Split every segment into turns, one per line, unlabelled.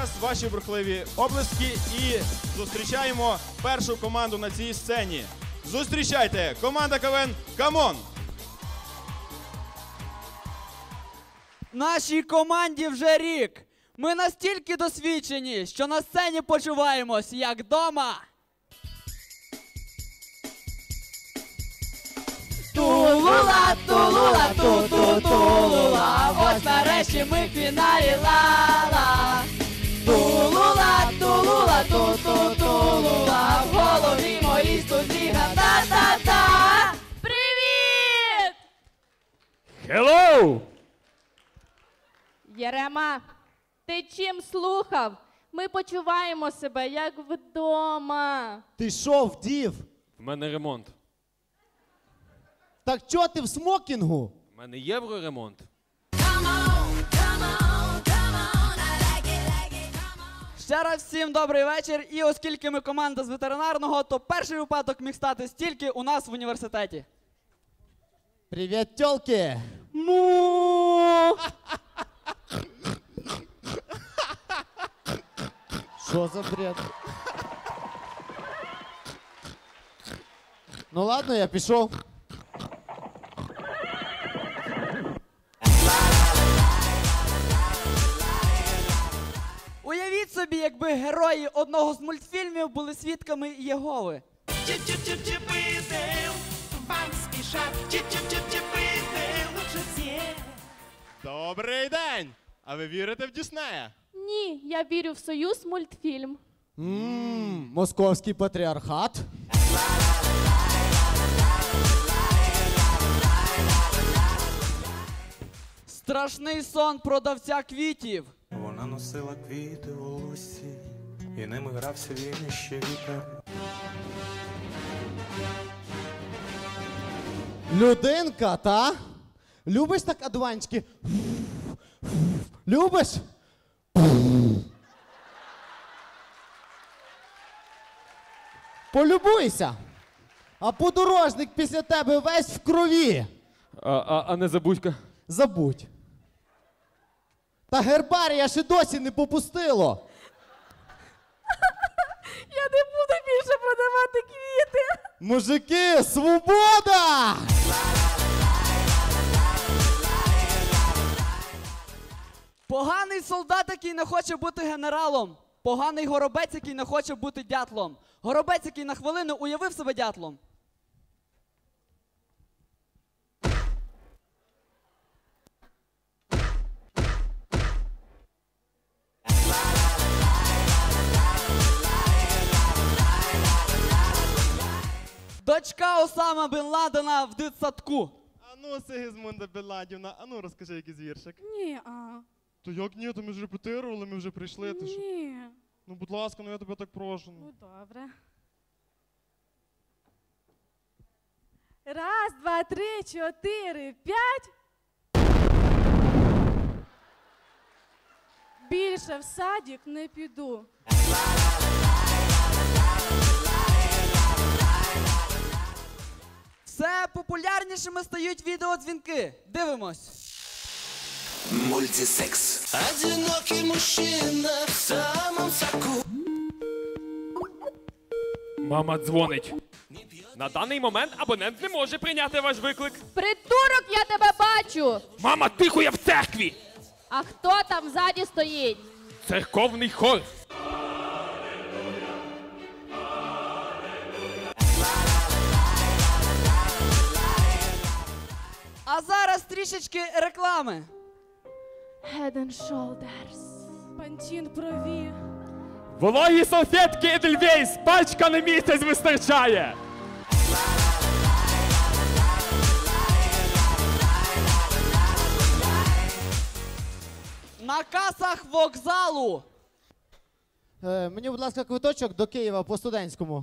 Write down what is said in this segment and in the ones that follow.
зараз ваші бурхливі оплески і зустрічаємо першу команду на цій сцені. Зустрічайте! Команда КВН «Камон».
Нашій команді вже рік. Ми настільки досвідчені, що на сцені почуваємось як вдома. Тулула, тулула, ту-ту-тулула, ось нарешті ми в фіналі ла-ла. Тулула, тулула, ту-ту-тулула, в голові моїй студіга та-та-та. Привіт!
Hello!
Єрема, ти чим слухав? Ми почуваємо себе як вдома.
Ти що, вдів?
В мене ремонт.
Так чого ти в смокінгу?
В мене євроремонт.
Ще раз всім добрий вечір. І оскільки ми команда з ветеринарного, то перший випадок міг стати стільки у нас в університеті.
Привіт, тьолки!
Му!
Що за бред? Ну ладно, я пішов.
Уявіть собі, якби герої одного з мультфільмів були свідками Єгови.
Добрий день! А ви вірите в Діснея?
Ні, я вірю в Союз мультфільм.
Московський патріархат.
Страшний сон продавця квітів.
Вона носила квіти у волоссі, і ними грався він іще вітер.
Людинка, та? Любиш так одуванчики? Любиш? Полюбуйся. А подорожник після тебе весь в крові.
А не забудька.
Забудь. Та гербарія ще досі не попустило.
Я не буду більше продавати квіти.
Мужики, свобода!
Поганий солдат, який не хоче бути генералом. Поганий горобець, який не хоче бути дятлом. Горобець, який на хвилину уявив себе дятлом. Дочка Осама Бен Ладена в дитсадку.
А ну, Сигізмунда Беладівна, а ну розкажи якийсь віршик.
Ні,
То як ні, то ми ж репетирували, ми вже прийшли. Ти що?
ні.
Ну, будь ласка, ну я тебе так прошу.
Ну, добре. Раз, два, три, чотири, п'ять. Більше в садик не піду.
Все популярнішими стають відеодзвінки. Дивимось.
Мультисекс. Одинокий мужчина в самом соку.
Мама дзвонить. На даний момент абонент не може прийняти ваш виклик.
Придурок, я тебе бачу.
Мама, тихо, я в церкві!
А хто там ззаді стоїть?
Церковний хор.
А зараз трішечки реклами.
Head and Shoulders.
Пантін прові.
Вологі салфетки Edelweiss, пачка на місяць вистачає.
На касах вокзалу.
Мені, будь ласка, квиточок до Києва по студентському.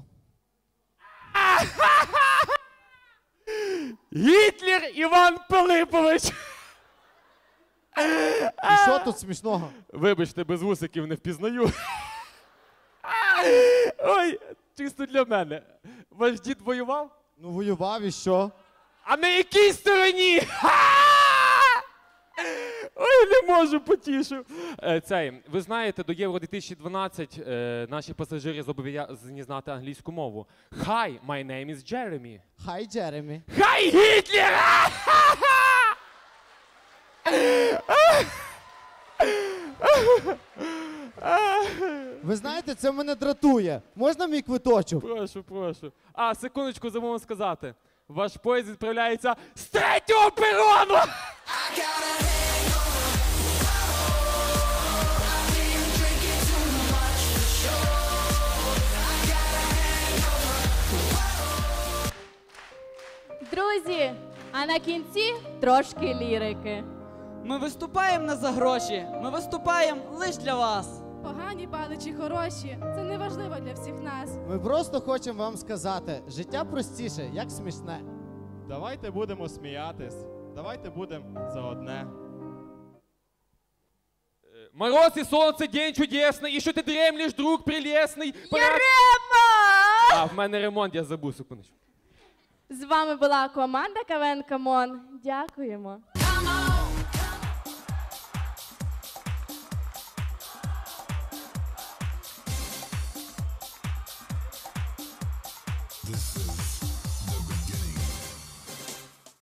Гітлер Іван Пилипович.
І що тут смішного?
Вибачте, без вусиків не впізнаю. Ой, чисто для мене. Ваш дід воював?
Ну, воював і що?
А на якій стороні? Ой, не можу, потішу. Ви знаєте, до Євро 2012 наші пасажири зобов'язані знати англійську мову. Hi, my name is Jeremy.
Хай, Джеремі.
Хай Гітлер!
Ви знаєте, це мене дратує. Можна мій квиточок?
Прошу. А, секундочку, забув сказати. Ваш поїзд відправляється з 3-го перону!
Друзі, а на кінці трошки лірики.
Ми виступаємо не за гроші, ми виступаємо лише для вас.
Погані бали чи хороші, це не важливо для всіх нас.
Ми просто хочемо вам сказати, життя простіше, як смішне.
Давайте будемо сміятись. Давайте будемо за одне.
Мороз і сонце, день чудесний, і що ти дремлеш, друг прелесний.
Ярема!
А, в мене ремонт, я забув, секундочку.
З вами була команда КВН Камон. Дякуємо.
Come on.